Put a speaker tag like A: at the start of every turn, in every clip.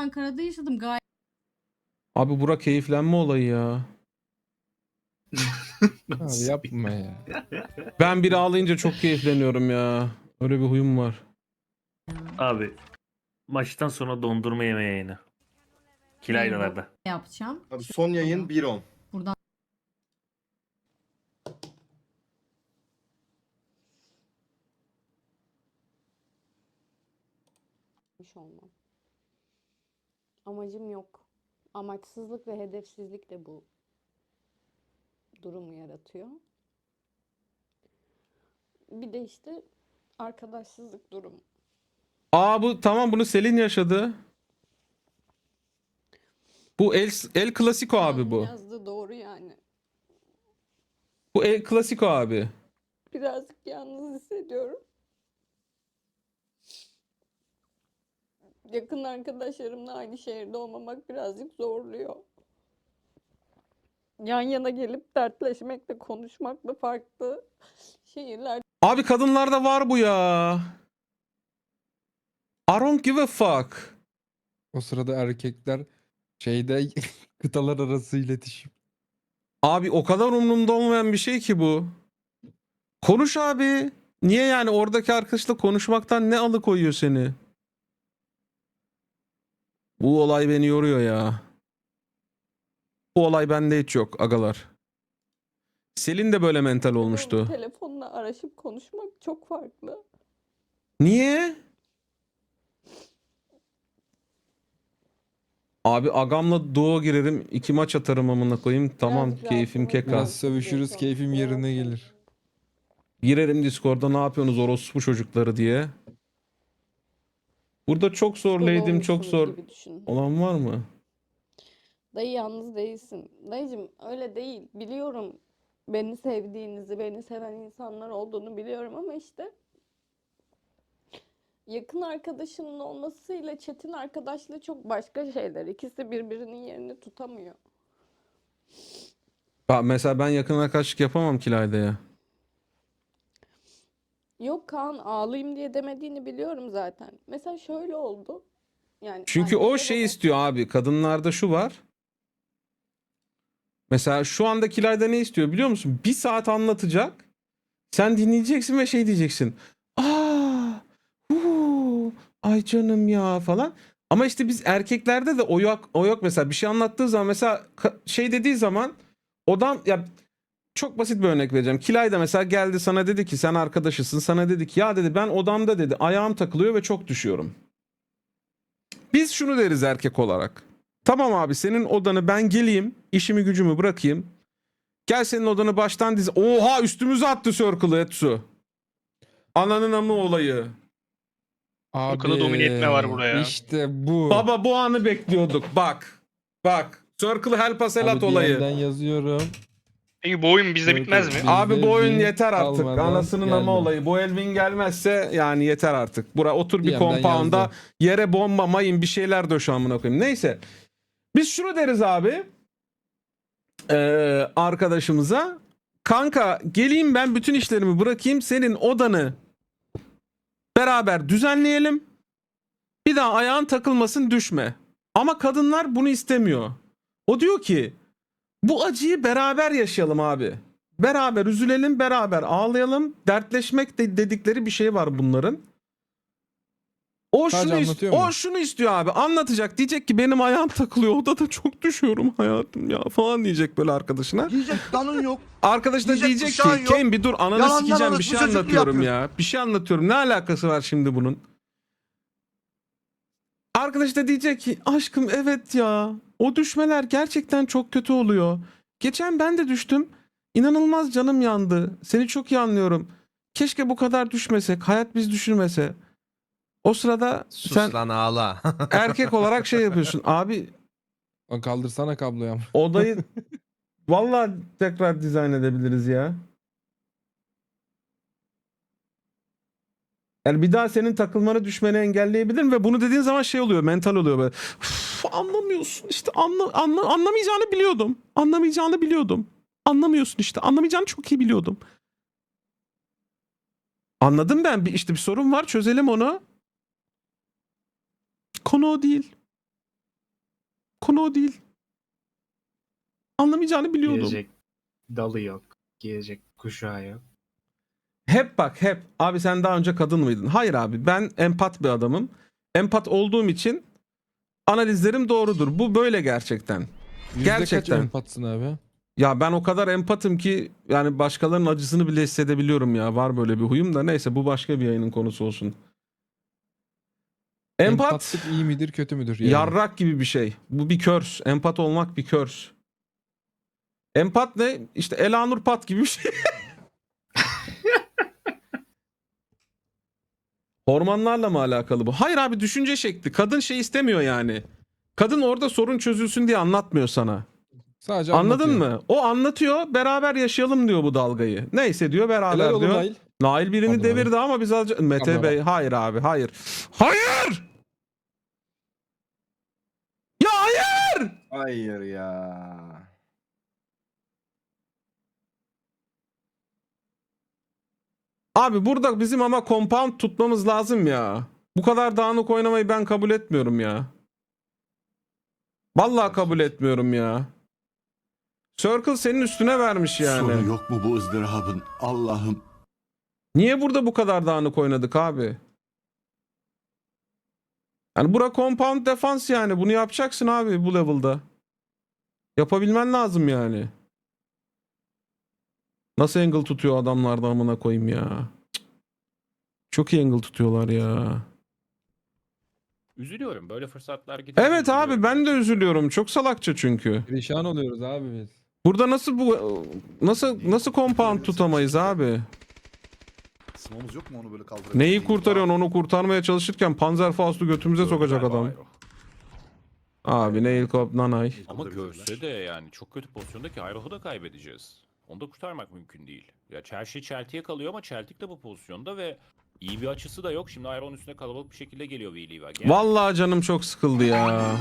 A: Ankara'da yaşadım. Gayet
B: Abi bura keyiflenme olayı ya.
C: Abi yapma ya.
B: Ben biri ağlayınca çok keyifleniyorum ya. Öyle bir huyum var.
D: Abi maçtan sonra dondurma yeme yayını. Kilaylalarda.
A: yapacağım.
E: Abi son yayın 1.10.
A: Buradan
F: olmam. Amacım yok. Amaçsızlık ve hedefsizlik de bu durumu yaratıyor. Bir de işte arkadaşsızlık durumu.
B: Aa bu tamam, bunu Selin yaşadı. Bu El Clasico abi bu.
F: Yazdığı doğru yani.
B: Bu El Clasico abi.
F: Birazcık yalnız hissediyorum. Yakın arkadaşlarımla aynı şehirde olmamak birazcık zorluyor. Yan yana gelip dertleşmekle, konuşmakla farklı şehirler.
B: Abi kadınlarda var bu ya. I don't give a fuck.
C: O sırada erkekler şeyde kıtalar arası iletişim.
B: Abi o kadar umurumda olmayan bir şey ki bu. Konuş abi. Niye yani oradaki arkadaşla konuşmaktan ne alıkoyuyor seni? Bu olay beni yoruyor ya. Bu olay bende hiç yok agalar. Selin de böyle mental olmuştu.
F: Telefonla araşıp konuşmak çok farklı.
B: Niye? Abi agamla duo girerim, 2 maç atarım amına koyayım. Tamam,
F: Birazcık
B: keyfim
F: rahatlamak
B: keka.
C: Biraz sövüşürüz, keyfim yerine gelir.
B: Girerim Discord'da ne yapıyorsunuz orospu çocukları diye. Burada çok zor leydim, çok zor
F: Gibi düşün.
B: olan var mı?
F: Dayı yalnız değilsin. Dayıcım öyle değil. Biliyorum beni sevdiğinizi, beni seven insanlar olduğunu biliyorum ama işte yakın arkadaşının olmasıyla çetin arkadaşlığı çok başka şeyler. İkisi birbirinin yerini tutamıyor.
B: Mesela ben yakın arkadaşlık yapamam Kilay'da ya.
F: Yok Kaan ağlayayım diye demediğini biliyorum zaten. Mesela şöyle oldu. Yani
B: Çünkü o
F: anneme
B: şey
F: baba-
B: istiyor abi. Kadınlarda şu var. Mesela şu anda Kilay'da ne istiyor biliyor musun? 1 saat anlatacak. Sen dinleyeceksin ve şey diyeceksin. Aa, ay canım ya falan. Ama işte biz erkeklerde de o yok mesela. Bir şey anlattığı zaman mesela şey dediği zaman odan ya, çok basit bir örnek vereceğim. Kilay da mesela geldi sana dedi ki sen arkadaşısın. Sana dedi ki ya dedi ben odamda dedi ayağım takılıyor ve çok düşüyorum. Biz şunu deriz erkek olarak. Tamam abi senin odanı ben geleyim, işimi gücümü bırakayım. Gel senin odanı baştan diz. Oha üstümüze attı Circle'ı Etsu. Ananın amı olayı.
C: Abi
G: kadar domine etme var buraya.
C: İşte bu.
B: Baba bu anı bekliyorduk. Bak. Bak. Circle help us
C: Abi
B: elat olayı.
C: DM'den yazıyorum.
G: Peki bu oyun bizde bitmez mi?
C: Bizde
B: Abi bu oyun
C: win
B: yeter artık.
C: almadan
B: Anasının
C: geldim.
B: ama olayı. Bu Elvin gelmezse yani yeter artık. Bura otur bir
C: DM'den
B: compound'a
C: yazdım.
B: yere bomba mayın bir şeyler döş amına koyayım. Neyse. Biz şunu deriz abi. Arkadaşımıza. Kanka geleyim ben bütün işlerimi bırakayım. Senin odanı beraber düzenleyelim. Bir daha ayağın takılmasın düşme. Ama kadınlar bunu istemiyor. O diyor ki bu acıyı beraber yaşayalım abi. Beraber üzülelim, beraber ağlayalım. Dertleşmek dedikleri bir şey var bunların. O
C: Sadece
B: şunu,
C: anlatıyor mu?
B: o şunu istiyor abi. Anlatacak. Diyecek ki benim ayağım takılıyor. Odada çok düşüyorum hayatım ya falan diyecek böyle arkadaşına.
H: Diyecek danın yok.
B: Arkadaş da
H: Diyecek
B: diyecek
H: bıçağın
B: ki
H: yok.
B: Ken bir dur ananı
H: Yalandan
B: sikeceğim bir
H: orospu
B: şey
H: çocukluğu
B: anlatıyorum
H: yapıyor.
B: ya. Bir şey anlatıyorum. Ne alakası var şimdi bunun? Arkadaş da diyecek ki aşkım evet ya. O düşmeler gerçekten çok kötü oluyor. Geçen ben de düştüm. İnanılmaz canım yandı. Seni çok iyi anlıyorum. Keşke bu kadar düşmesek. Hayat biz düşürmese. O sırada
I: Sus
B: sen
I: lan ağla.
B: erkek olarak şey yapıyorsun. Abi
C: Lan kaldırsana kabloyu ama.
B: odayı vallahi tekrar dizayn edebiliriz ya. Yani bir daha senin takılmanı düşmeni engelleyebilirim ve bunu dediğin zaman şey oluyor, mental oluyor böyle. Anlamıyorsun işte anlamayacağını biliyordum. Anlamayacağını biliyordum. Anlamıyorsun işte. Anlamayacağını çok iyi biliyordum. Anladım ben. İşte bir sorun var. Çözelim onu. Konu o değil. Konu o değil. Anlamayacağını biliyordum.
A: Giyecek dalı yok. Giyecek kuşağı yok.
B: Hep bak hep. Abi sen daha önce kadın mıydın? Hayır abi, ben empat bir adamım. Empat olduğum için analizlerim doğrudur. Bu böyle gerçekten.
C: Yüzde
B: Gerçekten.
C: kaç empatsın abi?
B: Ya ben o kadar empatım ki yani başkalarının acısını bile hissedebiliyorum ya. Var böyle bir huyum da, neyse bu başka bir yayının konusu olsun. Empat
C: Empatlık iyi midir kötü müdür? Yani?
B: yarrak gibi bir şey. Bu bir körs. Empat olmak bir körs. Empat ne? İşte Elanur Pat gibi bir şey. Hormonlarla mı alakalı bu? Hayır abi, düşünce şekli. Kadın şey istemiyor yani. Kadın orada sorun çözülsün diye anlatmıyor sana.
C: Sadece
B: Anladın
C: anlatıyor.
B: mı? O anlatıyor, beraber yaşayalım diyor bu dalgayı. Neyse diyor, beraber
C: Helal olsun
B: diyor.
C: Nail.
B: Nail birini
C: Pardon
B: devirdi ama biz azıcık... Mete
C: Pardon
B: Bey, hayır abi, hayır. Hayır! Ya hayır!
E: Hayır ya.
B: Abi burada bizim ama compound tutmamız lazım ya. Bu kadar dağınık oynamayı ben kabul etmiyorum ya. Vallahi kabul etmiyorum ya. Circle senin üstüne vermiş yani.
H: Sonu yok mu bu ızdırabın? Allah'ım.
B: Niye burada bu kadar dağınık oynadık abi? Yani bura compound defans yani. Bunu yapacaksın abi bu level'da. Yapabilmen lazım yani. Nasıl angle tutuyor adamlar da amına koyayım ya. Cık. Çok iyi angle tutuyorlar ya.
I: Üzülüyorum. Böyle fırsatlar gidince
B: Evet abi,
I: üzülüyorum.
B: ben de üzülüyorum. Çok salakça çünkü.
C: Perişan oluyoruz abi biz.
B: Burada nasıl compound tutamayız abi?
E: Sımamız yok mu onu böyle kaldırabilir?
B: Neyi kurtarıyorsun, onu kurtarmaya çalışırken Panzerfaust'u götümüze sokacak
I: Galiba
B: adam.
I: Aero.
B: Abi Nail Cop Nanay.
I: Ama görse de yani çok kötü pozisyondaki Iroh'u da kaybedeceğiz. Onu da kurtarmak mümkün değil. Ya Chelsea Celtic'e kalıyor ama Celtic de bu pozisyonda ve iyi bir açısı da yok. Şimdi Iroh'un üstüne kalabalık bir şekilde geliyor Viliva.
B: Vallahi canım çok sıkıldı ya.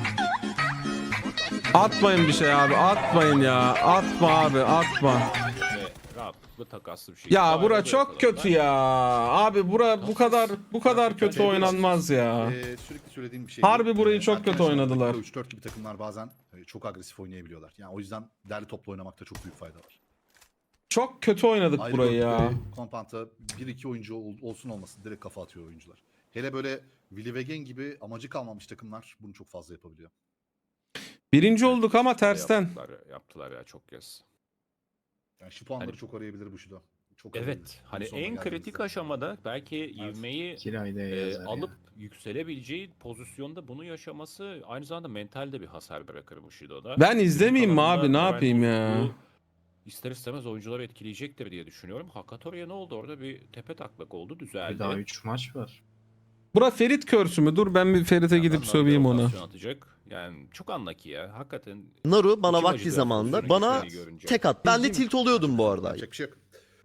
B: Atmayın bir şey abi, atmayın ya. Atma abi, atma.
I: Ve rahatlıkla takaslı bir şekilde.
B: Ya bura
I: Iroh'u
B: çok
I: yakaladılar.
B: kötü ya. Abi bura bu kadar kötü oynanmaz ya.
E: Sürekli söylediğim bir şey.
B: Harbi burayı çok kötü oynadılar.
E: 3-4 gibi takımlar bazen çok agresif oynayabiliyorlar. Yani o yüzden derli toplu oynamakta çok büyük fayda var.
B: Çok kötü oynadık
E: Ayrı
B: burayı ya.
E: bölümde Kompanta 1-2 oyuncu olsun olmasın direkt kafa atıyor oyuncular. Hele böyle Willy Wegen gibi amacı kalmamış takımlar bunu çok fazla yapabiliyor.
B: Birinci olduk ama tersten.
I: Yaptılar ya çok kez.
E: Yani şu puanları
I: Hani-
E: çok arayabilir bu şuda. Çok
I: Evet.
E: arayabilir.
I: Hani
E: Bunun sonuna
I: en kritik
E: geldiğimizde.
I: aşamada belki ivmeyi
A: Kirayda yazar
I: alıp
A: ya.
I: yükselebileceği pozisyonda bunu yaşaması aynı zamanda mentalde bir hasar bırakır Bushido'da.
B: Ben izlemeyeyim mi abi, ne yapayım ya?
I: Bu ister istemez oyuncuları etkileyecektir diye düşünüyorum. Hakatori'ye ne oldu orada, bir tepe taklak oldu, düzeldi.
A: Bir daha 3 maç var.
B: Bura Ferit körsü mü? Dur ben bir Ferit'e gidip
I: Adamlar
B: söveyim
I: bir
B: ona.
I: rotasyon atacak. Yani çok unlucky ya. Hakikaten
J: Naru bana
I: İçim
J: vakti
I: acıdı
J: zamanında
I: pozisyonun
J: bana
I: gittiğini görünce.
J: tek at. Ben de tilt oluyordum bu arada.
E: Yapacak bir şey yok.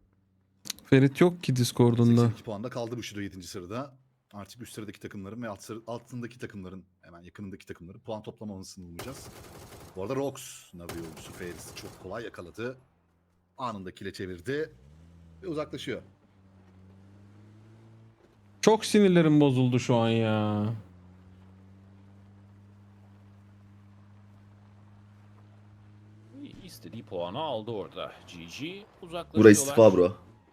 B: Ferit yok ki Discord'unda.
E: 82 puanda kaldı Bushido 7. sırada. Artık üst sıradaki takımların ve altındaki takımların, hemen yakınındaki takımların puan toplamamasını bulacağız. Bu arada Rox, Navi yolcusu Ferris'i çok kolay yakaladı. Anında kile çevirdi ve uzaklaşıyor.
B: Çok sinirlerim bozuldu şu an ya.
I: istediği puanı aldı orada. GG uzaklaşıyorlar.
J: Burası istifa bro.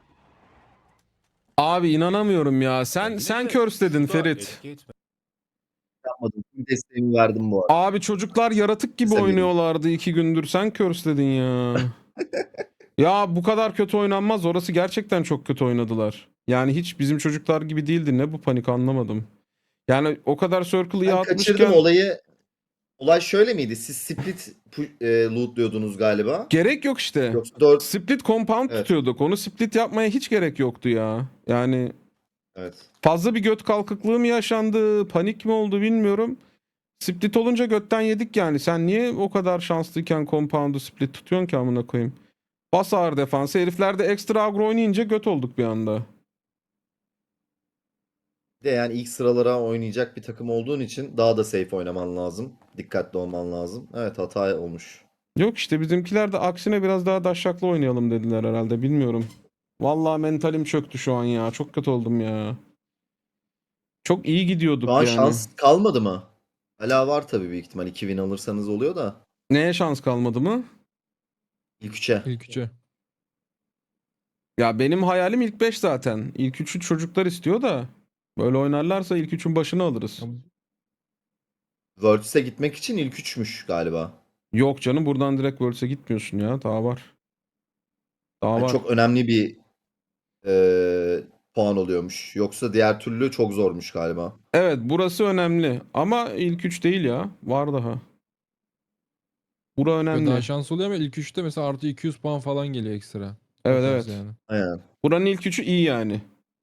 B: Abi inanamıyorum ya. Sen
I: Kendine de
B: körs dedin
I: şurada
B: Ferit.
I: etki etme.
J: Yapmadım. Tüm desteğimi verdim bu arada.
B: Abi çocuklar yaratık gibi
J: Sen
B: oynuyorlardı 2 gündür. Sen körs dedin ya. Ya bu kadar kötü oynanmaz. Orası gerçekten çok kötü oynadılar. Yani hiç bizim çocuklar gibi değildi. Ne bu panik, anlamadım. Yani o kadar circle'ı
J: Ben
B: atmışken
J: kaçırdım olayı. Olay şöyle miydi? Siz split lootluyordunuz galiba.
B: gerek yok işte.
J: Yoksa 4...
B: Split compound
J: Evet.
B: tutuyorduk. Onu split yapmaya hiç gerek yoktu ya. Yani
J: Evet.
B: fazla bir göt kalkıklığı mı yaşandı, panik mi oldu bilmiyorum. Split olunca götten yedik yani. Sen niye o kadar şanslıyken compound'u split tutuyorsun ki amına koyayım? Bas ağır defansı. Herifler de ekstra agro oynayınca göt olduk bir anda.
J: Bir de yani ilk sıralara oynayacak bir takım olduğun için daha da safe oynaman lazım. Dikkatli olman lazım. Evet, hata olmuş.
B: Yok işte bizimkiler de aksine biraz daha daşşaklı oynayalım dediler herhalde, bilmiyorum. Vallahi mentalim çöktü şu an ya. Çok kötü oldum ya. Çok iyi gidiyorduk
J: Şu an
B: yani.
J: şans kalmadı mı? Hala var tabii büyük ihtimal. 2 win alırsanız oluyor da.
B: Neye şans kalmadı mı?
J: İlk 3'e.
C: İlk üçe.
B: Ya benim hayalim ilk 5 zaten. İlk 3'ü çocuklar istiyor da. Böyle oynarlarsa ilk 3'ün başını alırız.
J: Worlds'e gitmek için ilk 3'müş galiba.
B: Yok canım, buradan direkt Worlds'e gitmiyorsun ya. Daha var. Daha
J: Yani
B: var.
J: çok önemli bir puan oluyormuş. Yoksa diğer türlü çok zormuş galiba.
B: Evet, burası önemli. Ama ilk 3 değil ya. Var daha. Bura
C: Ve
B: önemli.
C: daha şans oluyor ama ilk üçte mesela artı 200 puan falan geliyor ekstra. O
B: Evet,
C: tarz
B: evet.
C: Yani.
J: Aynen.
B: Buranın ilk 3'ü iyi yani.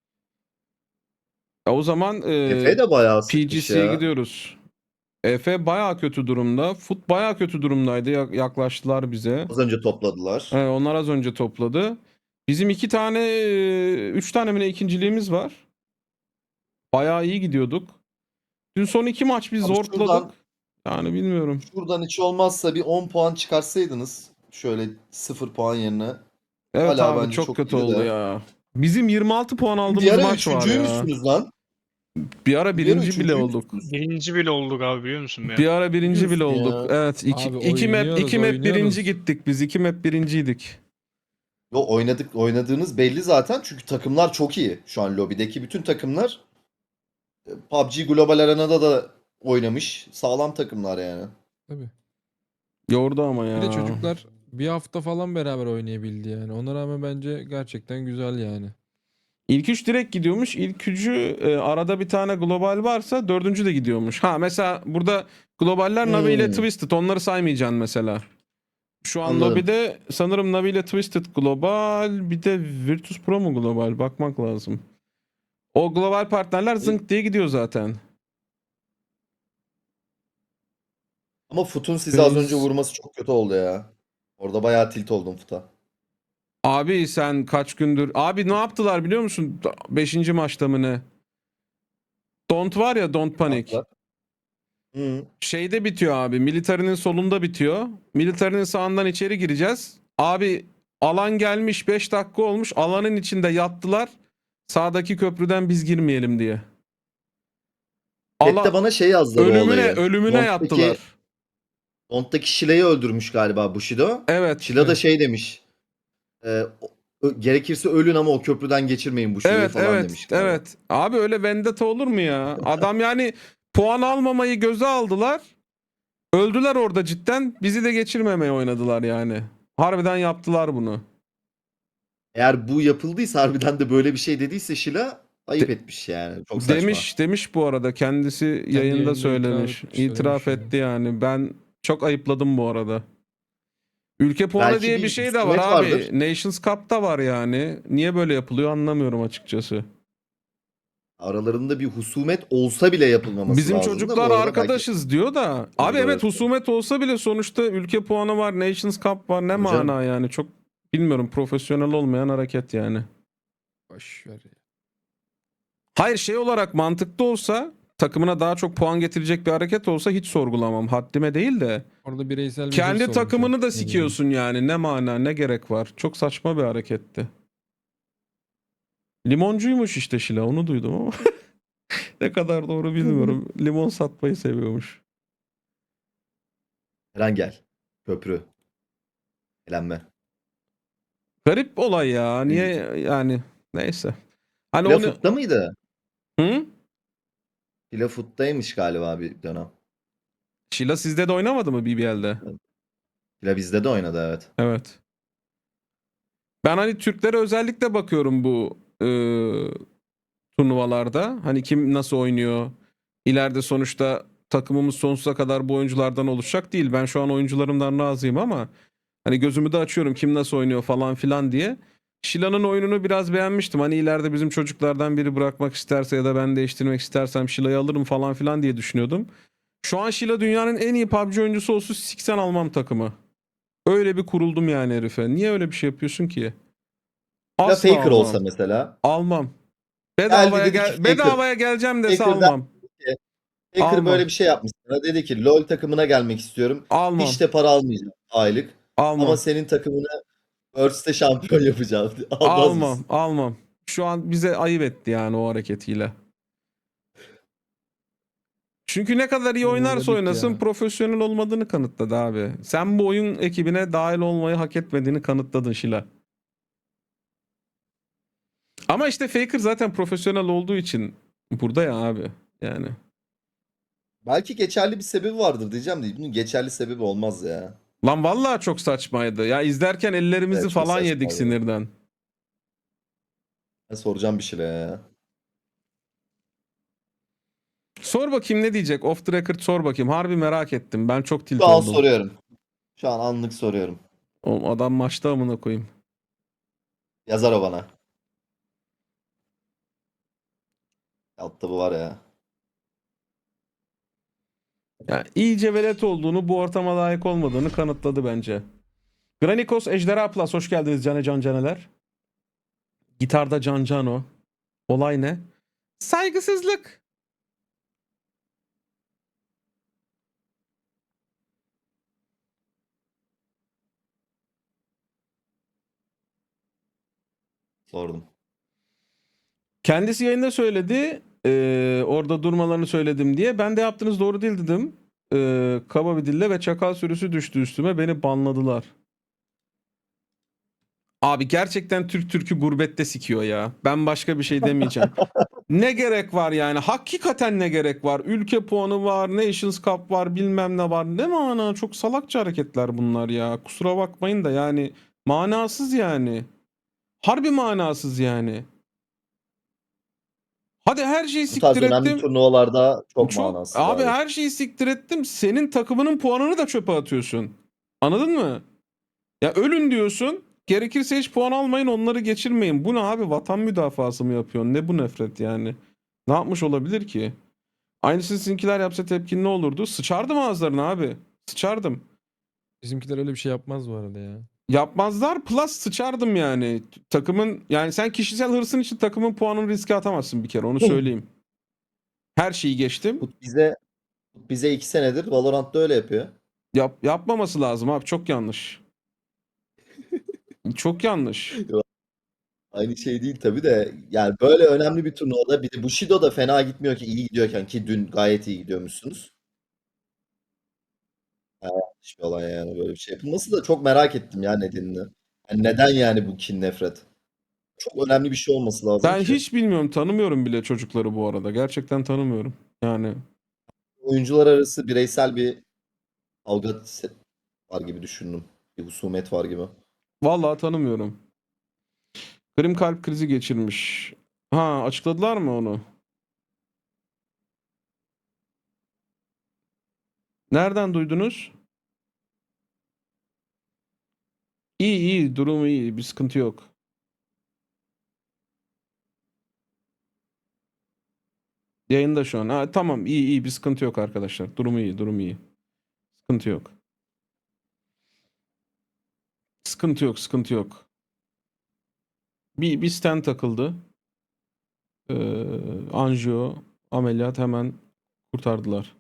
B: O zaman
J: Efe de bayağı sıkmış
B: PGC'ye
J: ya.
B: gidiyoruz. Efe bayağı kötü durumda. Foot bayağı kötü durumdaydı. Yaklaştılar bize.
J: Az önce topladılar.
B: Evet, onlar az önce topladı. Bizim 3 tane mi ne ikinciliğimiz var. Bayağı iyi gidiyorduk. Dün son 2 maç biz
J: Abi
B: zorladık.
J: şuradan-
B: Yani bilmiyorum.
J: Şuradan hiç olmazsa bir 10 puan çıkarsaydınız. Şöyle 0 puan yerine.
B: Evet
J: Hala
B: abi,
J: bence
B: çok
J: çok
B: kötü
J: iyi
B: oldu
J: de.
B: ya. Bizim 26 puan
J: Bir
B: aldığımız
J: ara
B: maç var ya.
J: üçüncüymüşsünüz lan.
B: Bir ara
J: Bir ara
B: birinci bile olduk.
J: üçüncüymüşsünüz.
G: Birinci bile olduk abi biliyor musun ya?
B: Bir ara birinci bile
J: Biliyorsun
B: olduk.
J: ya.
B: Evet.
C: Abi
B: İki map
C: oynuyoruz.
B: birinci gittik biz. 2 map birinciydik.
J: Yo, oynadığınız belli zaten çünkü takımlar çok iyi. Şu an lobideki bütün takımlar PUBG Global Arena'da da oynamış. Sağlam takımlar yani.
C: Tabii.
B: Yordu ama ya.
C: Bir de çocuklar bir hafta falan beraber oynayabildi yani. Ona rağmen bence gerçekten güzel yani.
B: İlk 3 direkt gidiyormuş. İlk 3'ü arada bir tane global varsa 4. de gidiyormuş. Ha mesela burada globaller Navi ile Twisted. Onları saymayacaksın mesela. Şu an
J: Anladım.
B: lobide sanırım Navi ile Twisted global. Bir de Virtus Pro mu global? Bakmak lazım. O global partnerler zınk diye gidiyor zaten.
J: Ama Foot'un sizi az
B: Biz-
J: önce vurması çok kötü oldu ya. Orada bayağı tilt oldum Foot'a.
B: Abi sen kaç gündür... Abi ne yaptılar biliyor musun? 5. maçta mı ne? Don't var ya, Don't Panic.
J: Hı.
B: Şeyde bitiyor abi. Militarinin solunda bitiyor. Militarinin sağından içeri gireceğiz. Abi alan gelmiş, 5 dakika olmuş. Alanın içinde yattılar. Sağdaki köprüden biz girmeyelim diye.
J: Chat'te bana şey yazdı bu olayı.
B: Ölümüne yattılar.
J: Dont'taki Shila'yı öldürmüş galiba Bushido.
B: Evet.
J: Shila da şey demiş. Gerekirse ölün ama o köprüden geçirmeyin Bushido'yu
B: Evet,
J: falan
B: evet,
J: demiş. galiba.
B: evet. Abi öyle vendetta olur mu ya? Adam yani puan almamayı göze aldılar. Öldüler orada cidden. Bizi de geçirmemeye oynadılar yani. Harbiden yaptılar bunu.
J: Eğer bu yapıldıysa harbiden de böyle bir şey dediyse Shila ayıp etmiş yani. Çok saçma.
B: Demiş bu arada, kendisi yayında
C: yayında
B: söylemiş.
C: itiraf etmiş,
B: etti yani. Ben çok ayıpladım bu arada. Ülke puanı
J: Belki
B: diye
J: bir
B: bir şey de var
J: husumet
B: abi.
J: vardır.
B: Nations Cup'ta var yani. Niye böyle yapılıyor anlamıyorum açıkçası.
J: Aralarında bir husumet olsa bile yapılmaması
B: Bizim
J: lazım da
B: çocuklar
J: bu arada
B: arkadaşız diyor da. Abi
J: Doğru,
B: evet,
J: evet.
B: husumet olsa bile sonuçta ülke puanı var, Nations Cup var. Ne
J: Hocam.
B: mana yani, çok bilmiyorum, profesyonel olmayan hareket yani.
C: Boş ver ya.
B: Hayır, şey olarak mantıklı olsa, takımına daha çok puan getirecek bir hareket olsa hiç sorgulamam. Haddime değil de.
C: Orada bireysel bir hırs
B: Kendi
C: olmuş
B: takımını
C: o.
B: da sikiyorsun yani. Ne mana, ne gerek var. Çok saçma bir hareketti. Limoncuymuş işte Şila, onu duydum ama. Ne kadar doğru bilmiyorum. Limon satmayı seviyormuş.
J: Eren gel. Köprü. Eğlenme.
B: Garip olay ya. Niye yani, neyse. Hani
J: Fila
B: onu...
J: Foot'ta mıydı?
B: Hı?
J: Fila Foot'taymış galiba bir dönem.
B: Şila sizde de oynamadı mı BBL'de?
J: Fila bizde de oynadı evet.
B: Evet. Ben hani Türklere özellikle bakıyorum bu turnuvalarda. Hani kim nasıl oynuyor? İleride sonuçta takımımız sonsuza kadar bu oyunculardan oluşacak değil. Ben şu an oyuncularımdan razıyım ama hani gözümü de açıyorum kim nasıl oynuyor falan filan diye. Shila'nın oyununu biraz beğenmiştim. Hani ileride bizim çocuklardan biri bırakmak isterse ya da ben değiştirmek istersem Shila'yı alırım falan filan diye düşünüyordum. Şu an Shila dünyanın en iyi PUBG oyuncusu olsun, siksen almam takımı. Öyle bir kuruldum yani herife. Niye öyle bir şey yapıyorsun ki?
J: Fila
B: Asla
J: Faker
B: almam.
J: olsa mesela.
B: Almam. Bedavaya,
J: dedi ki Faker.
B: bedavaya geleceğim dese
J: Faker'dan-
B: almam.
J: Faker
B: Almam.
J: böyle bir şey yapmış. Sana dedi ki LoL takımına gelmek istiyorum.
B: Almam.
J: Hiç de para almayacağım aylık.
B: Almam.
J: Ama senin takımını Earth'te şampiyon yapacağım. Almaz
B: Almam.
J: mısın?
B: Almam. Şu an bize ayıp etti yani o hareketiyle. Çünkü ne kadar iyi
C: Burada
B: oynarsa
C: bitti
B: oynasın
C: ya.
B: profesyonel olmadığını kanıtladı abi. Sen bu oyun ekibine dahil olmayı hak etmediğini kanıtladın Şila. Ama işte Faker zaten profesyonel olduğu için burada ya abi. Yani.
J: Belki geçerli bir sebebi vardır diyeceğim de bunun geçerli sebebi olmaz ya.
B: Lan vallahi çok saçmaydı. Ya izlerken ellerimizi
J: Evet, çok
B: falan yedik
J: saçmaydı.
B: sinirden.
J: Ben soracağım bir şeyler ya.
B: Sor bakayım ne diyecek? Off the record sor bakayım. Harbi merak ettim. Ben çok tilt
J: Şu an
B: oldum.
J: soruyorum. Şu an anlık soruyorum.
B: Oğlum adam maçta amına koyayım.
J: Yazar o bana. Altta bu var ya.
B: Ya iyice velet olduğunu, bu ortama layık olmadığını kanıtladı bence. Granikos Ejderha Plus hoş geldiniz Cane Can Caneler. Gitarda Can Cano. Olay ne? Saygısızlık.
J: Sordum.
B: Kendisi yayında söyledi. Orada durmalarını söyledim diye. Ben de yaptığınız doğru değil dedim. Kaba bir dille ve çakal sürüsü düştü üstüme. Beni banladılar. Abi gerçekten Türk Türk'ü gurbette sikiyor ya. Ben başka bir şey demeyeceğim. Ne gerek var yani? Hakikaten ne gerek var? Ülke puanı var, Nations Cup var, bilmem ne var. Ne mana? Çok salakça hareketler bunlar ya. Kusura bakmayın da yani manasız yani. Harbi manasız yani. Hadi her şeyi
J: Bu tarz
B: siktir
J: önemli
B: ettim.
J: turnuvalarda çok
B: Çok
J: manasız
B: abi
J: abi.
B: her şeyi siktir ettim. Senin takımının puanını da çöpe atıyorsun. Anladın mı? Ya ölün diyorsun. Gerekirse hiç puan almayın, onları geçirmeyin. Bu ne abi? Vatan müdafası mı yapıyorsun? Ne bu nefret yani? Ne yapmış olabilir ki? Aynısını sizinkiler yapsa tepkin ne olurdu? Sıçardım ağızlarına abi. Sıçardım.
C: Bizimkiler öyle bir şey yapmaz bu arada ya.
B: Yapmazlar plus sıçardım yani. Takımın yani sen kişisel hırsın için takımın puanını riske atamazsın bir kere, onu söyleyeyim. Her şeyi geçtim.
J: Bize 2 senedir Valorant'ta öyle yapıyor.
B: Yapmaması lazım abi, çok yanlış. Çok yanlış.
J: Aynı şey değil tabii de yani böyle önemli bir turnuvada bir de Bushido da fena gitmiyor ki iyi gidiyorken ki dün gayet iyi gidiyormuşsunuz. Yanlış bir olay yani böyle bir şey yapılması da çok merak ettim ya nedenini. Yani neden yani bu kin nefret? Çok önemli bir şey olması lazım
B: Ben
J: ki.
B: hiç bilmiyorum, tanımıyorum bile çocukları bu arada. Gerçekten tanımıyorum. Yani
J: Oyuncular arası bireysel bir kavga var gibi düşündüm. Bir husumet var gibi.
B: vallahi tanımıyorum. Krim kalp krizi geçirmiş. Ha, açıkladılar mı onu? Nereden duydunuz? İyi iyi, durumu iyi, bir sıkıntı yok. Yayında şu an. Ha, tamam, iyi iyi, bir sıkıntı yok arkadaşlar. Durumu iyi, durumu iyi. Sıkıntı yok. Sıkıntı yok, sıkıntı yok. Bir stent takıldı. Anjiyo, ameliyat, hemen kurtardılar.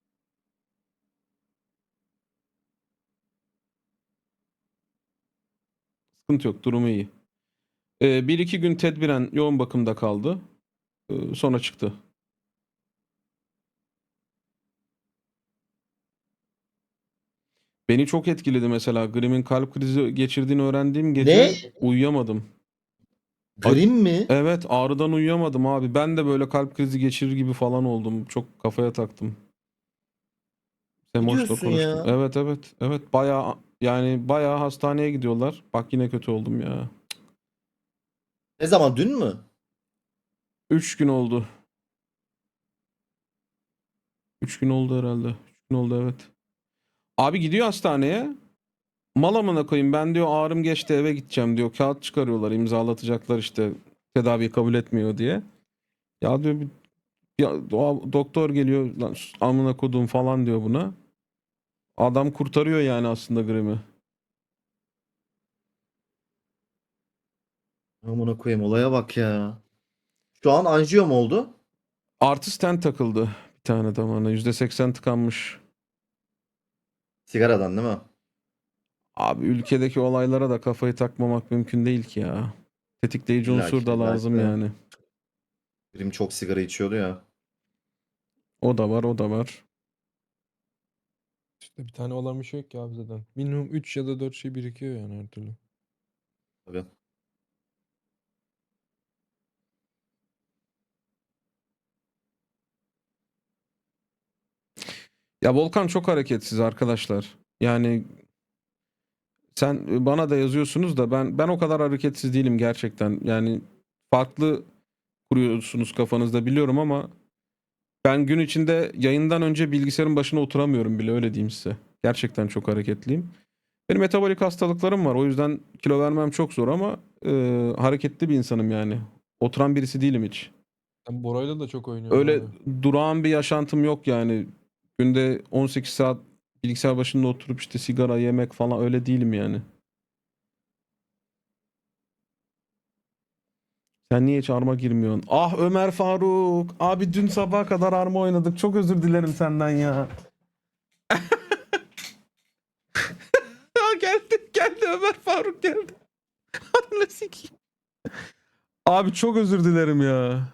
B: Sıkıntı yok, durumu iyi. Bir iki gün tedbiren yoğun bakımda kaldı. Sonra çıktı. Beni çok etkiledi mesela. Grim'in kalp krizi geçirdiğini öğrendiğim gece
J: Ne?
B: uyuyamadım.
J: Grim mi?
B: Evet, ağrıdan uyuyamadım abi. Ben de böyle kalp krizi geçirir gibi falan oldum. Çok kafaya taktım. Semoş'la
J: diyorsun
B: konuştum.
J: ya?
B: Evet evet. Evet, bayağı yani bayağı hastaneye gidiyorlar. Bak yine kötü oldum ya.
J: Ne zaman dün mü?
B: 3 gün oldu. 3 gün oldu herhalde. 3 gün oldu, evet. Abi gidiyor hastaneye. Mal amına koyayım, ben diyor ağrım geçti eve gideceğim diyor. Kağıt çıkarıyorlar, imzalatacaklar işte tedaviyi kabul etmiyor diye. Ya diyor ya, doktor geliyor lan amına kodum falan diyor buna. Adam kurtarıyor yani aslında Grim'i.
J: Amına koyayım olaya bak ya. Şu an anjiyo mu oldu?
B: Artı stent takıldı bir tane damağına. %80 tıkanmış.
J: Sigaradan değil mi?
B: Abi ülkedeki olaylara da kafayı takmamak mümkün değil ki ya. Tetikleyici
J: İlla
B: unsur
J: ki,
B: da
J: illa ki
B: lazım
J: de.
B: yani.
J: Grim çok sigara içiyordu ya.
B: O da var, o da var.
C: İşte bir tane olan bir şey yok ki abi zaten. Minimum 3 ya da 4 şey birikiyor yani her türlü.
J: Tabii.
B: Ya Volkan çok hareketsiz arkadaşlar. Yani sen bana da yazıyorsunuz da ben o kadar hareketsiz değilim gerçekten. Yani farklı kuruyorsunuz kafanızda biliyorum ama ben gün içinde yayından önce bilgisayarın başına oturamıyorum bile, öyle diyeyim size. Gerçekten çok hareketliyim. Benim metabolik hastalıklarım var. O yüzden kilo vermem çok zor ama hareketli bir insanım yani. Oturan birisi değilim hiç.
C: Ben Bora'yla da çok oynuyorum
B: Öyle
C: abi.
B: durağan bir yaşantım yok yani. Günde 18 saat bilgisayar başında oturup işte sigara yemek falan öyle değilim yani. Sen niye hiç arma girmiyorsun? Ah Ömer Faruk. Abi dün sabaha kadar arma oynadık. Çok özür dilerim senden ya. Ya geldi Ömer Faruk geldi. Ananı sikeyim. Abi çok özür dilerim ya.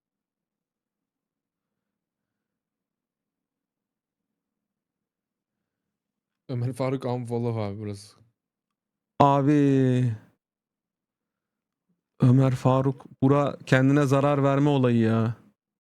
C: Ömer Faruk unfollow abi burası.
B: Abi Ömer Faruk bura kendine zarar verme olayı ya.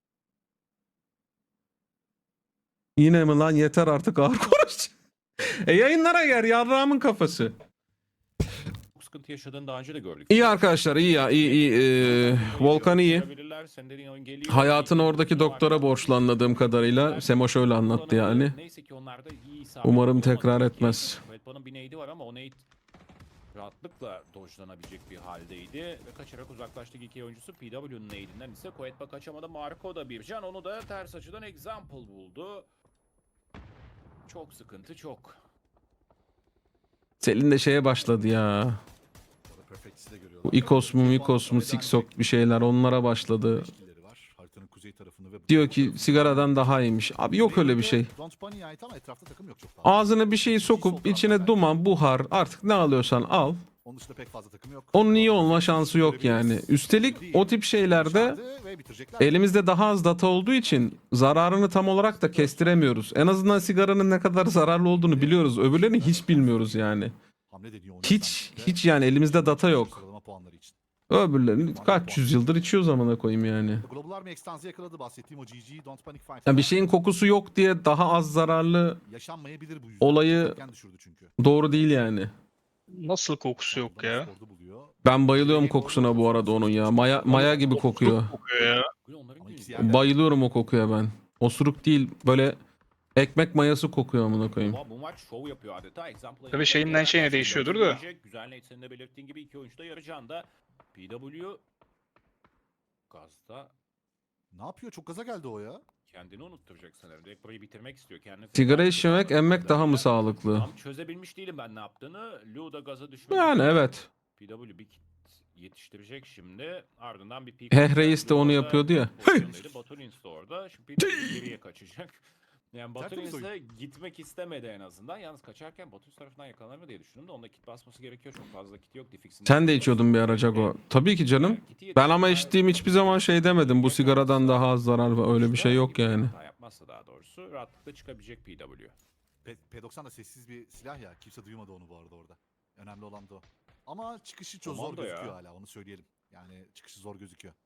B: Yine mi lan, yeter artık ağır konuş. Yayınlara gel yarrağımın kafası.
I: Çok sıkıntı yaşadığını daha önce de gördük.
B: İyi arkadaşlar, iyi ya, iyi. Volkan iyi. Hayatını oradaki doktora borçlu anladığım kadarıyla. Semo şöyle anlattı yani.
I: Neyse ki onlar da iyi isabet
B: Umarım
I: olamadı
B: tekrar
I: ki.
B: etmez.
I: Kuetba'nın bir nade'i var ama o nade rahatlıkla dojlanabilecek bir haldeydi ve kaçarak uzaklaştı iki oyuncusu. PW'nin nade'inden ise Kuetba kaçamadı. Marco da bir can, onu da ters açıdan example buldu. Çok sıkıntı, çok.
B: Selin de şeye başladı ya.
E: Orada Perfect'i de görüyorlar.
B: Bu Ikos mu Mikos mu Siksok bir şeyler onlara başladı.
E: Beşkileri var. Haritanın kuzey tarafını ve
B: Diyor ki sigaradan daha iyiymiş. Abi yok öyle bir şey.
E: Don't Bunny'e ait ama etrafta takım yok çok fazla.
B: Ağzına bir şeyi sokup içine duman, buhar artık ne alıyorsan al.
E: Onun dışında pek fazla takım yok.
B: Onun iyi olma şansı yok yani. Üstelik o tip şeylerde elimizde daha az data olduğu için zararını tam olarak da kestiremiyoruz. En azından sigaranın ne kadar zararlı olduğunu biliyoruz. Öbürlerini hiç bilmiyoruz yani. Hiç yani elimizde data yok.
E: Sıralama puanları için.
B: Öbürlerini kaç yüzyıldır içiyoruz amına koyayım yani.
E: Global Army Extans'ı yakaladı, bahsettiğim o GG Don't Panic Fight.
B: Ya bir şeyin kokusu yok diye daha az zararlı
E: yaşanmayabilir bu yüzden.
B: olayı
E: Erken düşürdü çünkü.
B: doğru değil yani.
G: Nasıl kokusu yok ya?
E: Skorda buluyor.
B: Ben bayılıyorum kokusuna bu arada onun ya. Maya gibi kokuyor.
G: Kokuyor ya.
E: Ama ikisi yerden-
B: Bayılıyorum o kokuya ben. Osuruk değil, böyle ekmek mayası kokuyor amına koyayım.
I: Ama bu maç şov yapıyor adeta. Example'a
G: Tabii şeyinden şeyine değişiyordur da.
I: Güzel net, senin de belirttiğin gibi iki oyuncu da yarı canda. PW gazda
E: Ne yapıyor? Çok gaza geldi o ya.
I: kendini unutturacak sanırım. Direkt burayı bitirmek istiyor. Kendini
B: Sigara
I: feda
B: içmemek,
I: ediyor.
B: emmek daha mı sağlıklı?
I: Tam çözebilmiş değilim ben ne yaptığını. Lou da gaza düşmek
B: Yani
I: üzere.
B: evet.
I: PW bir kit yetiştirecek şimdi. Ardından bir peak.
B: Heh, Reis de onu yapıyordu ya.
I: Baturins'te orada. Şimdi PW geriye kaçacak. Yani
E: Tertemiz
I: Baturins'e gitmek istemedi en azından. Yalnız kaçarken Baturins tarafından yakalanır diye düşündüm de onda kit basması gerekiyor. Çok fazla kit yok. Diffix'in
B: Sen de içiyordun bir ara Jago. Tabii ki canım. Ben ama içtiğim hiçbir zaman şey demedim. Bu sigaradan daha az zarar var. Öyle bir şey yok yani.
I: Hata yapmazsa daha doğrusu rahatlıkla çıkabilecek PW.
E: P90 da sessiz bir silah ya. Kimse duymadı onu bu arada orada. Önemli olan da o. Ama çıkışı çok zor
I: Komando ya.
E: gözüküyor hala, onu söyleyelim. Yani çıkışı zor gözüküyor.